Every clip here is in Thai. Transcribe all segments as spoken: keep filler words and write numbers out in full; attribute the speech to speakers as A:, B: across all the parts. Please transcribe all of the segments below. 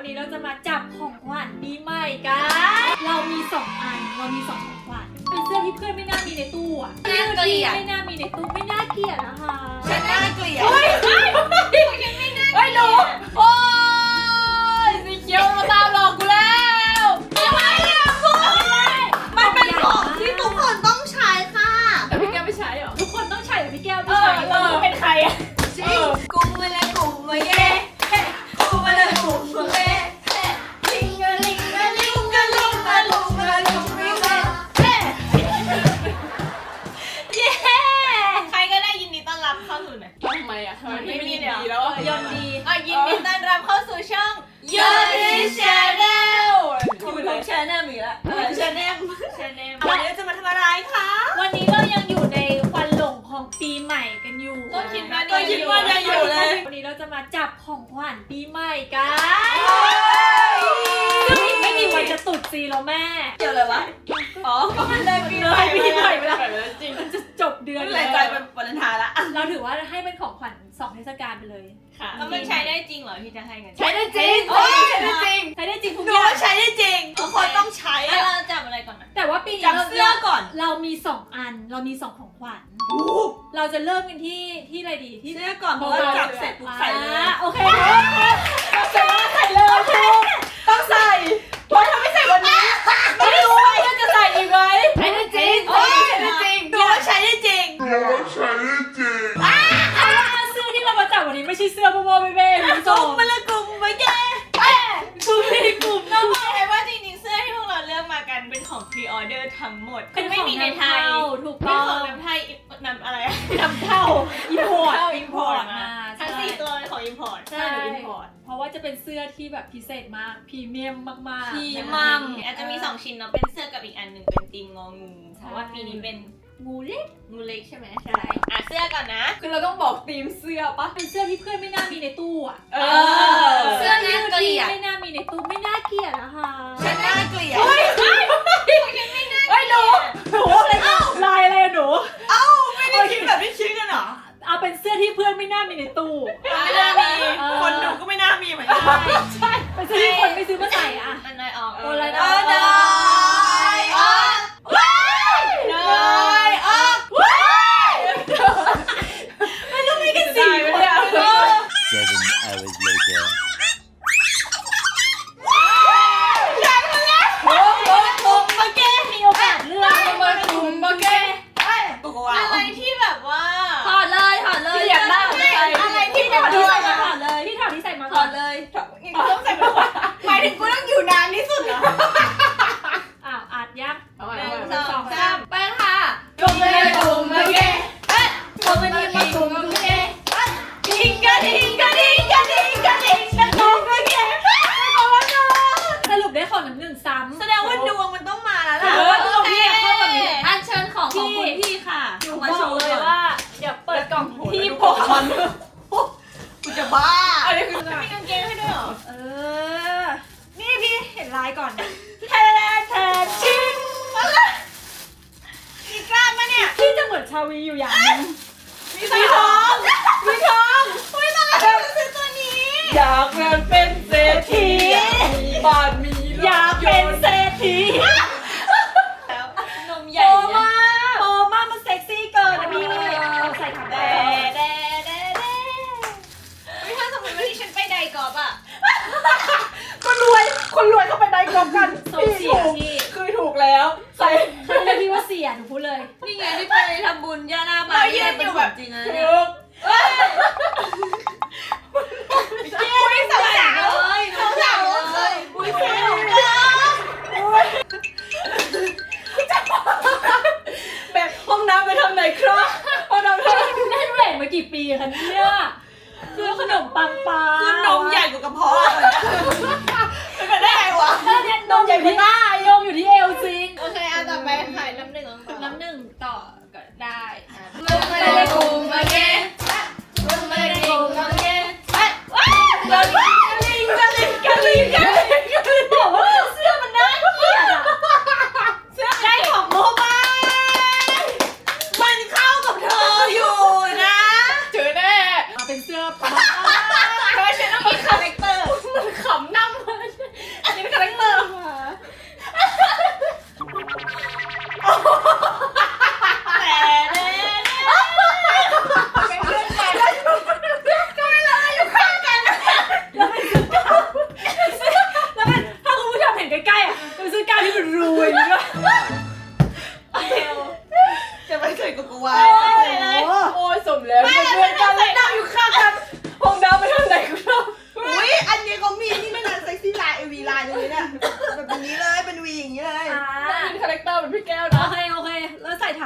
A: วันนี้เราจะมาจับของขวัญปีใหม่กันเรามีสองอันเรามีสองของขวัญเป็นเสื้อที่เพื่อนไม่น่ามีในตู้อ่ะเสื้อที่ไม่น่ามีในตู้ไม่น่าเกลียดนะคะ
B: ฉันน่าเกลียด
A: เฮ้ยเฮ้ยฉันไม่น่าเฮ้ยหนูโอ้ยสีเขียวมาตามหลอกกูแล้วอะไรอ่ะพูด
B: มันเป็นของที่ทุกคนต้องใช้ค่ะ
A: แต่พี่แก้วไม่ใช้เหรอทุกคนต้องใช้แต่พี่แก้วไม่ใช้เราเป็นใครอ่ะ
B: จริงกุมมาเลยกุมมาเย่กุมมาเลยกุมมาเย่ลิงกะลิงกะลิงกะลิงกะลุงกะลุงลิงกะเย่เย่ใครก็ได้ยินดีต้อนรับเข้าสู่หน่อย
A: ทำไมอ่ะทำไม
B: ไม่
A: ไม่
B: มี
A: มี
B: เดี๋ยว
A: ดีแล้ว
B: ยนดีอ่ะยินดีต้อนรับเข้าสู่ช่องยนดีชาแนลอยู่ทุกชาแนลมีละชาแนลชาแนลวันนี้จะมาทำอะไรคะ
A: วันนี้เรายังอยู่ในควันหลงของปีใหม่กันอยู่
B: ก็คิดว่าก็คิดว่ายังอยู่เลย
A: วันนี้เราจะมาจับของขวัญปีใหม่กันซึ่งอีกไม่กี่วันจะตรุษจีนแล้วแม่
B: เกี่ยวอะไรวะอ๋อก็มันเลยปีใหม่
A: ปีใหม่ไปแล้ว
B: จริง
A: มันจะจบเดือน
B: แรงใจเป็นวันทายละ
A: เราถือว่าให้เป็นของขวัญสองเทศกาลไปเลยค่ะ
B: แล้วมันใช้ได้จริงเหรอที่จะให้กัน
A: ใช้ได้จริง
B: โอ้ยใช้ได้จริง
A: ใช้ได้จริงทุก
B: หนู
A: อย่าง
B: ว่าใช้ได้จริงทุกคนต้องใช้เราจับอะไรก่อนนะ
A: แต่ว่าปีนี้
B: จับเสื้อก่อน
A: เรามีสองอันเรามีสองของขวัญเราจะเริ่มกันที่ที่อะไรดีที่
B: เสื้อก่อนเพราะว่าจับเสร็จปุ๊บใส่เลย
A: อ่าโอเคใส่เลยใส่เลยถูก
B: ต้องใส่เพราะถ้าไม่ใส่วันนี้ไม่รู้ว่าจะใส่อีกไหม
A: ใช้ได้จริง
B: โอ้ยใช้ได้จริงหนูว่าใช้ได้จริง
A: เสื้อที่เรามาจับวันนี้ไม่ใช่เสื้อโมโมเบ้เบ้คุณผู้ช
B: กลุ่
A: ม
B: มมาละกลุ่มมาแก
A: คือมีกลุ่ม
B: เราบอกเลยว่าจริงๆเสื้อที่พวกเราเลือกมากันเป็นของพรีออเดอร์ทั้งหมดคือไม่มีในไทย
A: ถูก
B: เป็
A: ต้
B: น
A: อ
B: ของ
A: ง
B: นำไทยนำอะไร
A: นำเข้าอิมพอร์ต
B: เข้าอินพอร์ตมา
A: ใช่
B: ทั้งสี่ตัวเป็นของอินพอร์ต
A: ใช่อิมพอร์ตเพราะว่าจะเป็นเสื้อที่แบบพิเศษมากพรีเมียมมากๆ
B: พีมัมอาจจะมีสองชิ้นเนาะเป็นเสื้อกับอีกอันหนึ่งเป็นธีมงองูเพราะว่าปีนี้เป็น
A: งูเล็ก
B: งูเล็กใช่ไหมใช่อ่ะเสื้อก่อนนะ
A: คือเราต้องบอกธีมเสื้อปะเป็นเสื้อที่เพื่อนไม่น่ามีในตู้อ่ะ
B: เออเสื้อน่าเกลียด
A: ไม่น่ามีในตู้ไม่น่าเกลียดนะคะ
B: ฉันน่าเกลียด
A: เฮ้ยเฮ้ยเฮ้ยหนูหนูอะไรลายอะไรอะหนู
B: เอ้าไม่ได้คิดแบบที่คิดกันเหรอ
A: เอาเป็นเสื้อที่เพื่อนไม่น่ามีในตู้
B: ไม่น่ามีคนดูก็ไม่น่ามีเหมือนกัน
A: ใช่เป็นเสื้อที่คนไม่ซื้อมาใส่อ่ะ
B: อันไหนออก
A: ตัวอะไรนะ
B: เออได้ออกว้ายได้ออกว้ายไม่รู้มีกันสี่คน
C: Seven hours later.
B: อยากมาแล้วโอ้โหโอ้มาแก
A: มีโอกาสเลือก
B: มาคุมมาแกอะไรที่แบบว่า
A: ถอดเลยถอดเลย
B: ที่อยากได้อะไรที่
A: ถอด
B: ที่
A: ที่
B: ใส่
A: ใส่
B: มา
A: มาถอดเลยที่ถอดที่ใส่มา
B: ถอดเลยกูต้องใส่มาหมายถึงกูต้องอยู่นานที่สุดเหรอ
A: อ้าวอาจยัก
B: หนึ่งสองสามไปค่ะ
A: กลมเลยกลมเลย
B: กลมเลยมากลมเลยทิงกะทิงกะทิงกะทิงกะทิงกะทิงกะทิง
A: สรุปได้ของน้ำหนึ่งซ้ำ
B: แสดงว่าดวงมันต้องมาแล้ว
A: เออดวงพี่เข้าแบบนี้
B: อันเชิญของของคุณพี่ค่ะ
A: หนูบอกเลยว่าเดี๋ยวเปิดกล่องพี่โพส
B: กูจะบ้า
A: อันนี้คือ
B: มีกางเกงให้ด้วยเหรอ
A: เออ นี่พี่เห็นลายก่อนแทนแทนชิง
B: มีกล้ามปะเนี่ย
A: พี่จะเหมือนชาวีอยู่อย่างนึง
B: มีทองมีทองอุ้ยตอนแรกเราซื้อตัวนี้
A: อยากเป็นเศรษฐี
B: บ้านมี
A: อยากเป็นเศรษฐี
B: นมให
A: โต
B: ญ่
A: มากโตมากมันเซ็กซี่เกินนะพี่ใส่ถัง
B: แด
A: แด
B: แดแดแดไม่ถ้าสมมติว่าที่ฉันไปไดกอล์ฟอ่ะ
D: คนรวย คนรวยเขาไปได้กรอบกัน
A: โซเสียพี่
D: คือถูกแล้ว ใส่
A: ฉันเลยพี่ว่าเสียหนูพูดเลย
B: นี่ไงที่ไปทำบุญย่าหน้าบ้านยืนอยู่แบบจริงนะเนี่ย
D: ถูก
B: อุ้ยสาวสาวเลยสาวสาวเลยอุ้ยสาว
D: แบบห้องน้ำไปทางไหนครับห้องน้ำทาง
A: เล่นเวทมากี่ปีคะเนี่ยคือขนมปังปลา
B: คือนมใหญ่กว่ากระเพาะเลยเป็นไปได้ไงวะ
A: เออเนี่ยนมใหญ่ที่หน้านมอยู่ที่เอวจริง
B: โอเคเอาต่อไปขายน้ำหนึ่ง
A: น้ำหนึ่งต่อก็ได้
B: มึงไม่ได้กูมาเก็ตมึงไม่ได้กูมาเก็ตว้าวกะลิงกะลิงกะลิงกะลิงกะลิง
A: บอกว่าเสื้อมันน่าเกลียดอะ
B: เสื้อได้ของโมบายมันเข้ากับเธออยู่นะ
D: เจอแน่
A: มาเป็นเสื้อปลา
B: เพราะฉันต้องมีคาแรคเตอร์
A: มันขำน้ำเลย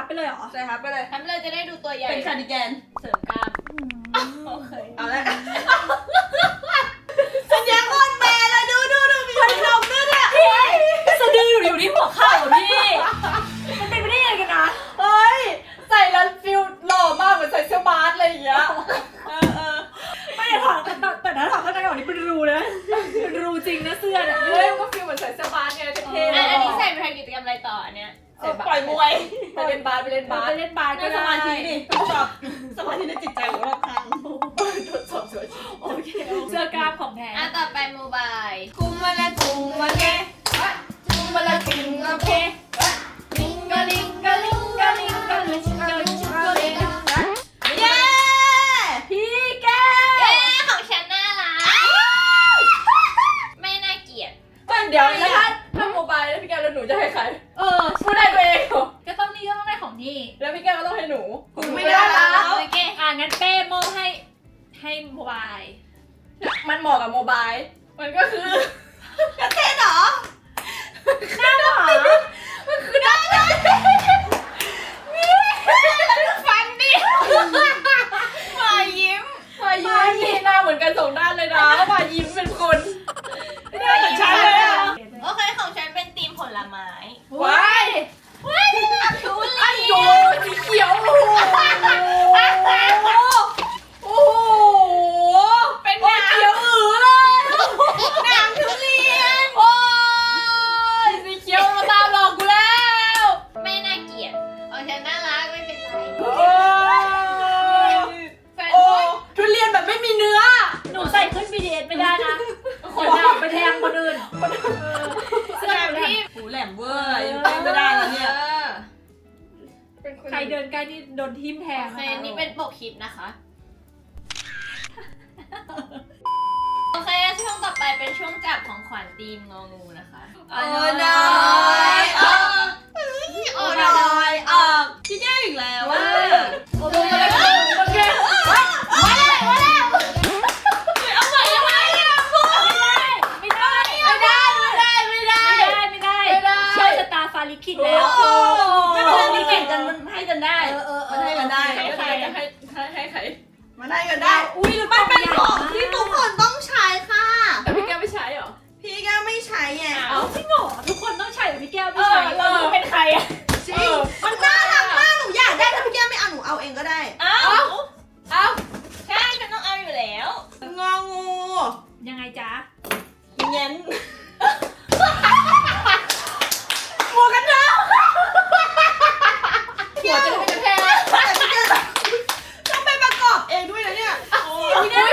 A: ไปเลยเหรอ
B: ใช่ครับไปเลย
D: ทำเลยจะได้ดูตัวใหญ่
B: เป็นคาร์ดิแกน
D: เสริมกล้ามโอเค
B: เอาละสัญญาโคตรแมนเลยดูดูดูมีคนลงด้วยเนี่ย
A: สะดืออยู่อยู่ที่หัวเข่าพี่มันเป็นไปได้ยังไงกันนะ
B: เฮ้ยใส่แล้วฟิลหล่อมากเหมือนใส่เสื้อบาสอะไรอย่างเงี้ยเออเออ
A: ไม่ได้ถอดแต่แต่ถ้าถอดข้างในก่อนนี่เป็นรูเลยนะเป็นรูจริงนะเสื้อเนี่ย
B: เฮ้ยมันก็ฟิลเหมือนใส่เสื้อบาสไงเท่ๆ
D: อันอันนี้ใส่ไปทำกิจกรรมอะไรต่ออันเนี้ย
B: เออปล่อยมวยไปเล่นบาสไปเล่นบาส
A: ไปเล่นบาสก็
B: ก็ส
A: ได้
B: มาธิดิทดสอบสมาธิในจิตใจของเราครั้งทดสอบสวย
A: โอเคเสื้อกล้ามของแท้
D: อ่ะต่อไปโมบาย
B: กุมมาละกุมมาเกกุมมาละกุมมาเกลิงกะลิงกะลิงกะลิงกะลิงกะลิงกะลิงเย้พี่แก
D: เย้ของฉันน่ารักไม่น่าเกลียด
B: เดี๋ยวแล้วถ้าถ้าโมบายแล้วพี่แกแล้วหนูจะให้ใคร
A: เออ
B: พูดได้ตัวเองเหรอ
A: ก็ต้องนี่ก็ต้องได้ของนี่
B: แล้วพี่แกก็ต้องให้หนู
D: ไม่ได้แล้วโอเค
A: อ่ะงั้นเป้โมให้ให้โมบาย
B: มันเหมาะกับโมบายมันก็คือกระเทศเหรอ
A: หน้าหมา
B: มันคือได้ได้ฟันดิมายิ้มมายิ้มหน้าเหมือนกันสองด้านเลยนะมายิ้มเป็นคนไม่ได้เหมือนฉันเลยอะ
D: โอเคของฉันเป็นธีมผลไม้
B: ว้าย
D: ว้ายน่ารักทุเรี
B: อัน
D: ย
B: โย
D: น
B: สีเขียวโอ้โหโอ้โหเป็นเขียวอือเลยหนังทุเรียนโอ้ยสีเขียวมาตามหลอกกูแล้ว
D: ไม่น่าเกลียดของฉันน่ารักไม่เป็นไร
B: โอ้ยโอ้ทุเรียนแบบไม่มีเนื้อ
A: หนูใส่ขึ้น บี ที เอส ไม่ได้นะคนด่าไปแทงคนอื่นเสื้อหนูแหลม
B: หูแหลมเวอร์ยังตั้งไม่ได้แล้วเนี่ย
D: ออ
A: ใครเดินใกล้นี่โดนทิ่มแทง
D: โอเค
A: นะคะ
D: นี่เป็นปกคลิปนะคะโอเคช่วงต่อไปเป็นช่วงจับของขวัญธีมงองูนะคะ
B: โอ้น้อยออกโอ้น้อยออกพี่แก้วอีกแล้วว่า
A: โอเคโอเค
B: มาแล้วมาแล้วเอาใหม่เอาใหม่อะพูด
A: ไม่ได้
B: ไม่ได้ไม่ได้ไม่ได้
A: ไม่ได้ไม่ได้
B: ไม่ได้
A: เชื่อชะตาฟาลิคิดแล้ว
B: ไม่เป็นไรนี่แข่งกันมันให้กันได้
A: เออเออเออ
B: มันให้กันได้
A: ให้ใคร
B: จะให้ให้ให้ใครมันให้กันได้
A: อุ้ย
B: มันเป็นของที่ทุกคนต้องใช้ค่ะ
E: แต่พี่แก้วไม่ใช้เหรอ
B: พี่แก้วไม่ใช้ไง
A: เอาจริงเหรอทุกคนต้องใช้แต่พี่แก้วไม่ใช้
E: เออ
A: เราดูเป็นใครอะ
B: จริงมันน่ารักมากหนูอยากได้ถ้าพี่แก้วไม่เอาหนูเอาเองก็ได้
D: เอ้า
E: เอ้า
D: ใช่ฉันต้องเอาอยู่แล้ว
B: งองู
A: ยังไงจ๊ะ
B: เงี้ยนหมวกกันน็อกหัวจะไม่กระแทกต้องไปประกอบเองด้วยนะเนี่ยไม่ได้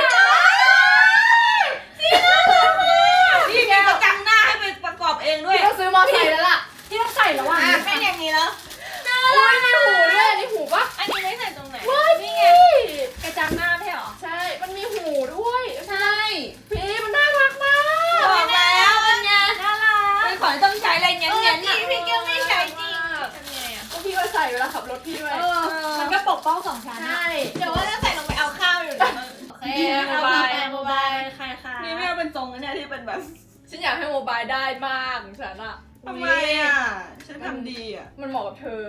B: นี่ไงประจังหน้าให้ไปประกอบเองด้วย
E: พี่ต้องซื้อมอไซค์แล้วล่ะ
A: ที่ต้องใส่แล้วอ่ะ
B: อ่ะเป็นอย่างนี้แล้ว
E: โอ้ยมีหูด้วยอันนี้หูปะ
D: อันนี้ไม่ใส่ตรงไหน
E: นี่ไง
A: กระจังหน้าไม่เหรอ
E: ใช่ มันมีหูด้วย
B: ใช่
E: พี่มันน่ารักมาก
B: บอกแล้วเป็นไง
A: น่ารัก
B: เป็นของที่ต้องใช้อะไรเงี้ย
D: เออ
B: เงี้ย
D: จริงพี่แก้วไม่ใช้จริงทำไงอ่ะ
E: ก็พี่ก็ใส่เวลาขับรถพี่ด้วย
A: เออมันก็ปกป้องสองชั้นอะ
E: ใช่
D: เดี๋ยวว่าจะใส่ลงไปเอาข้าวอยู่นะโอเคเอาต่อไปโมบาย
A: ใครคะ
B: นี่ไม่เอาเป็นทรงนะเนี่ยที่เป็นแบบ
E: ฉันอยากให้โมบายได้มากของฉันอะ
B: ทำไมอ่ะฉันทำดีอ่ะ
E: มันเหมาะกับเธอ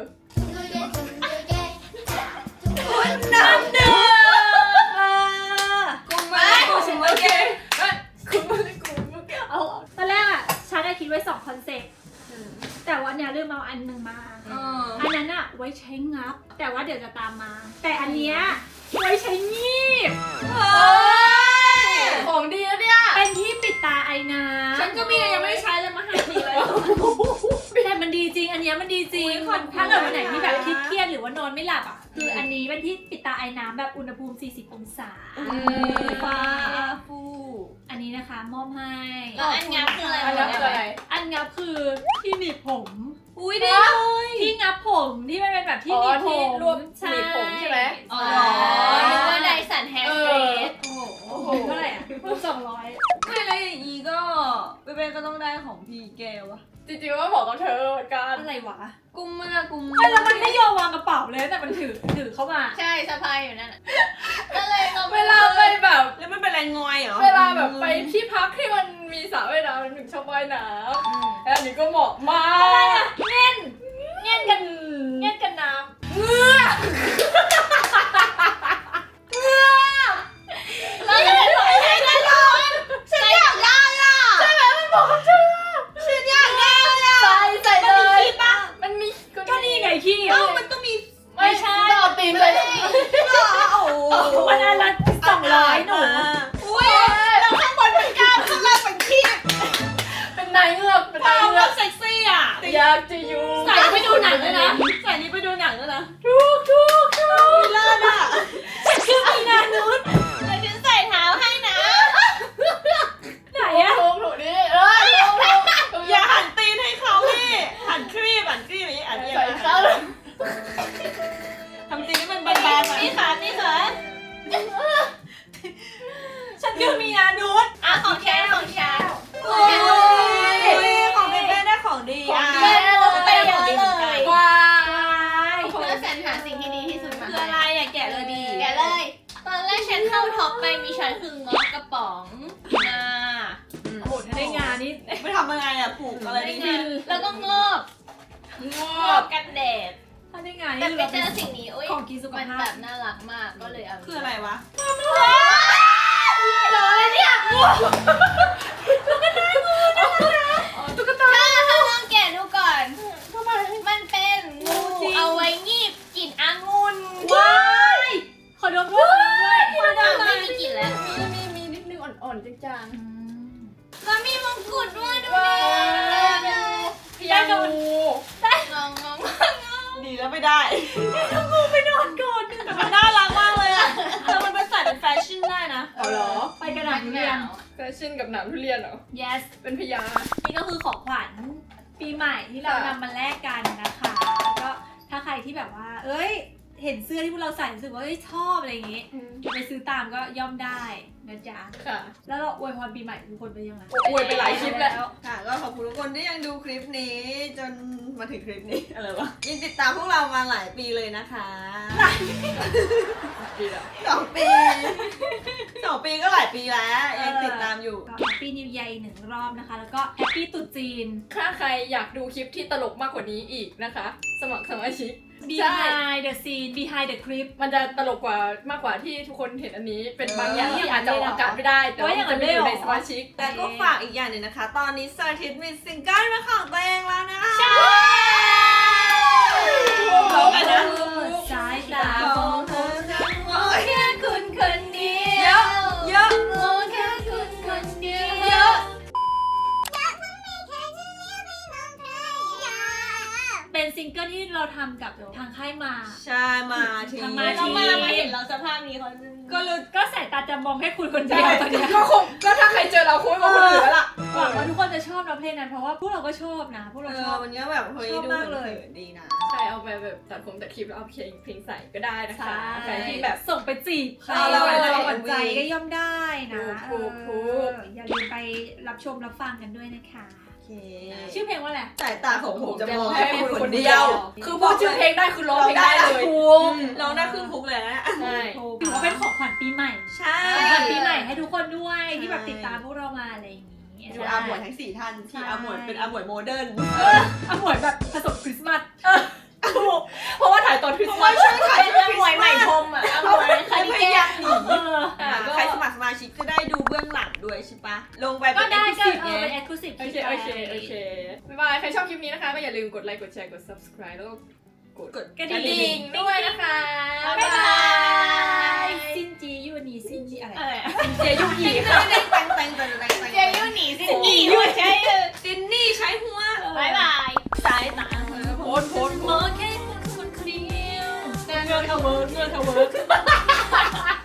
B: คนน้ำเดือด
A: เออ
B: กูมาฉันโอเค
E: เฮ้ยคุณไม่ได้กูเมื่อกี้
A: เอาตอนแรกอ่ะฉันได้คิดไว้สองคอนเซ็ปต์แต่ว่าเนี่ยลืมเอาอันหนึ่งมา
B: เออ
A: อันนั้นอะไว้ใช้งับ แต่ว่าเดี๋ยวจะตามมา แต่อันเนี้ยไว้ใช้งีบ
B: เฮ้ย
E: ของดีแล้วเนี่ย
A: เป็นที่ปิดตาไอน้ำ
E: ฉันก็มียังไม่ได้ใช้เลยมาให้ดีเลย
A: แต่มันดีจริง อันเนี้ยมันดีจริง
E: อุ๊ยขอบคุณ
A: ถ้าเกิดวันไหนที่แบบ
E: มาก
A: เครียดๆหรือว่านอนไม่หลับอ่ะ คืออันนี้เป็นที่ปิดตาไอน้ำแบบอุณหภูมิ สี่สิบ องศา
B: ฟ้าฟู
A: อันนี้นะคะมอบให้
D: แล้วอันงับคืออะไร
E: อันนั้นคืออะไร
A: อันงับคือที่หนีบผม
B: อุ้ยดีเลย
A: ที่งับผมที่มันเป็นแบบที่
E: อ๋
A: หนี
E: อบ
A: ผ
E: ที่
A: ม
E: รวบหนีบผมใช่ไหม
D: อ๋อนึกว่าไดสันแฮร์เฟส
A: โอ้โหเท่าไหร่อ่ะสองร้อย
B: ไม่แล้วอย่างนี้ก็เป๊ะๆก็ต้องได้ของพี่แก้วอะ
E: จริงๆว่าเหมาะกับเธอเหมือนกัน
A: อะไรวะ
B: กุมมากุม
A: ไม่แล้วมันไม่ยอมวางกระเป๋าเลยแต่มันถือถือเข้ามา
D: ใช่สะพายอยู่นั่นน่ะก็เลยเรา
E: เวลาไปแบบ
B: แล้วมันเป็นแรงงอยเหรอ
E: เวลาแบบไปที่พักที่มันมีสระว่ายน้ำหนึ่งชอบว่ายน้ำแล้วอันนี้ก็เหมาะมาก
A: เงี้ยนกันเงี้ยนกันน้ำ
E: ายเงือกเป็น
B: ควา
E: นา
B: ม
E: ยเงื
B: รั
E: อก
B: กเซ็กซี่อ่ะ
E: อยากจะอยู่
A: ใส่ไปดูหนังด้วยนะ
B: ใส่นี้ไปดูหนังด้วยนะ
E: ทุกทุกทุก
B: เลิศอ่ะ
A: คือมีนานุษ
D: เดี๋ยวฉันใส่เท้าให้นะ
A: ไหนอะ
E: ถูกถูกนี่เออถูกถูก
B: อย่าหันตีนให้เขาพี่หันครีบหันครีบอย่างนี้อันนี้
E: ใส่เขา
B: ทำตีนให้มันบานๆหน่อย
D: นี่ค่ะนี่ค่ะ
B: ฉันคือมีนานุษ
D: อ่ะของแชร์ของแชร์
B: โอ้ยของเบเบ้ได้ของดีอ่ะ
D: เย้เราไปเยอะเลย
E: ว้า
D: เพื่อสรรหาสิ่งที่ดีที่สุดมา
B: คืออะไรอ่ะแกะเลยดี
D: แกะเลย ตอนแรกฉันเข้าท็อปไปมีช้อยคืองอกกระป๋องงา
A: โอ้โหถ้าได้งานนี้
B: ไม่ทำยังไงอ่ะผูกอะไร
D: ได้
B: ดี
D: งาแล้วก็งอบ
E: ง
D: ง
E: อ
D: อ
E: บบ
D: กันแดด
A: ถ้าได้งาน
D: แต่
A: นี่
D: ไป
A: เรา
D: เจ
A: เป็น
D: อสิ่งนี้อุ้ย
A: ของกินสุข
D: มัน
A: ภา
D: แบ
A: พ
D: บน่ารักมากก็เลยเอา
B: คืออะไรวะ
D: เลยเนี่ย
E: ตุ๊กตา
D: ถ้าถ้าลองแกะดูก่อน
E: ทำไม
D: มันเป็นงูเอาไว้งีบกลิ่นองุ่น
A: ว้ายขอดมด้วยขอดมด้วย
D: อ้าวไม่มีกลิ่นแล้ว
E: มีมีมีนิดนึงอ่อนๆจาง
D: แล้วมีมงกุฎด้วยดู
E: ๆว้า
D: ดิ
E: พยางู
D: งองงง
B: ดีแล้วไม่ได้
A: ไปนอนก่อน
B: แต่มันน่ารักมากเลยอ่ะแล้วมันไปใส่เป็นแฟชั่นได้นะ
E: เอาเหรอ
A: ไปกระดาษเรียน
E: แฟชั่นกับหนามทุเรียนเหรอ
A: yes
E: เป็นพยา
A: นี่ก็คือของขวัญปีใหม่ที่เรา
E: ค่ะ
A: นำมาแลกกันนะคะ ก็ถ้าใครที่แบบว่า เอ้ย เห็นเสื้อที่พวกเราใส่รู้สึกว่าเอ้ยชอบอะไรอย่างงี้จะไปซื้อตามก็ย่อมได้นะจ๊ะ
E: ค่ะ
A: แล้วเราอวยพรปีใหม่ทุกคนไปยังไง
E: อวยไปหลายคลิปแล้ว
B: ค่ะก็ขอบคุณทุกคนที่ยังดูคลิปนี้ จนมาถึงคลิปนี้ อะไรวะยังติดตามพวกเรามาหลายปีเลยนะคะ
E: ดีแล้ว
B: สองปีสองปีก็หลายปีแล้วยังติดตามอยู่
A: ก็แฮปปี้นิว e a อีกหนึ่งรอบนะคะ แล้วก็แฮปปี้ตรุษจีน
E: ถ้าใครอยากดูคลิปที่ตลกมากกว่านี้อีกนะคะ สมัครสมาชิก
A: behind the scene behind the clip
E: มันจะตลกกว่ามากกว่าที่ทุกคนเห็นอันนี้ เป็นบางอย่าง
A: เออ
E: ที่อาจจะออกอากาศไม่ได้ แต่ว่า
A: ว่าอย่างนั้
E: จะ
A: น
E: ไม่อยู่
A: ได้
E: ใน
A: เหรอ
E: สมาชิก
B: แต่ก็ฝากอีกอย่างหนึ่งนะคะ ตอนนี้สาธิตมีซิงเกิลเป็นของตัวเองแล้วนะคะ
A: ใช่
B: ร้องกันนะ
A: สายตา
B: ของเธอจะมอง
D: แค่คุณคนเดีย
B: เยว อะเยอะ
D: โอ้แค่คุณคนเดียว
B: เยอะ
A: เป็นซิงเกิลที่เราทำกับทางค่ายมา
B: ใช่มาที
A: ทำมา
D: เรามามาเห็นเราสภาพนี้เขาจะ
B: ก็รู้
A: ก็สายตาจะมองแค่คุณคนเดียวตอนเนี้ย
E: ก็คงก็ถ้าใครเจอเราคงไม่มองคนอื่นแล้วล่ะ
A: หวังว่าทุกคนจะชอบนะเพลงนั้นเพราะว่าพวกเราก็ชอบนะ พวก
B: เอ
A: เราช
B: อ
A: อบ
B: มันก็แบบเฮ้ย
A: ชอบ
B: ดู
A: มากเลย
B: ขินๆดีนะ
E: ใช่เอาไปแบบตัดผมตัดคลิปแล้วเอาเพลงเพลงใส่ก็ได้นะคะ
A: ใช่
E: ใครที่แบบ
A: ส่งไปจีบใคร
B: เอาเรา
A: หวานใจ
B: เอา
A: หวานใจก็ย่อมได้นะ
E: ถูกถูก
A: เอออย่าลืมไปรับชมรับฟังกันด้วยนะคะ
B: โอเค
A: ชื่อเพลงว่าอะไร
B: สายตาของผมจะมอง
E: แค่
B: แค่
E: คุ
B: คุณ ณ
E: ค
B: คน น
E: เดี
B: เดี
E: ย
B: ยว ว
E: คือพูดชื่อเพลงได้คือร้องเพลงได้เลย
B: ถูกร้องได้ครึ่งทุกเลยนะ
E: ใช่
A: ถือว่าเป็นของขวัญปีใหม่
B: ใช่
A: ของขวัญปีใหม่ให้ทุกคนด้วยที่แบบติดตามพวกเรามาอะไรอย่างนี้
B: ดูอาหมวยทั้งสี่ท่านที่อาหมวยเป็นอาหมวยโมเดิร์น
A: อ่ะหมวยแบบผสมคริสต์มาส
E: เพราะว่าถ่ายตอนคริส
B: เพ
E: ต์
B: ราะ
E: มา
B: ว่า
E: ส
B: ช่วงถ่าย
D: เป็นเรื่องหวยใหม่ชมอ่ะเอาหวยคาริ
B: พ
D: เก
B: ยายาม
D: น
B: หนี
A: เออ
B: อ่าใครสมัครสมาชิกจะได้ดูเบื้องหลังด้วยใช่ปะลงไป
A: ก็
B: เป็น
A: ได้ก็
B: exclusive
A: เออ
B: ไง
A: เป็น exclusive
E: โอเคโอเคโอเคบ๊ายบายใครชอบคลิปนี้นะคะก็อย่าลืมกดไลค์กดแชร์กด subscribe แล้วก็กด
B: กด
A: กระดิ่ง
E: ด้วยนะคะ
A: บ๊ายบายซินจียูนีซินจีอะไร
B: อะไรอะ
E: เจยุกีค่ะ
B: แต่งแต่งแต่งแต่งแต่งแต่ง
D: เจยูหนีสิหนีด้วยใช่
B: ซินนี่ใช้หัว
D: บายบาย
B: สายตา
E: โพสต์โพสต์โพ
A: มอ
E: สต์
A: งแค่คุณคนเดียว
B: เงือกเทาเวิร์กเงือกเทาเวิร์ก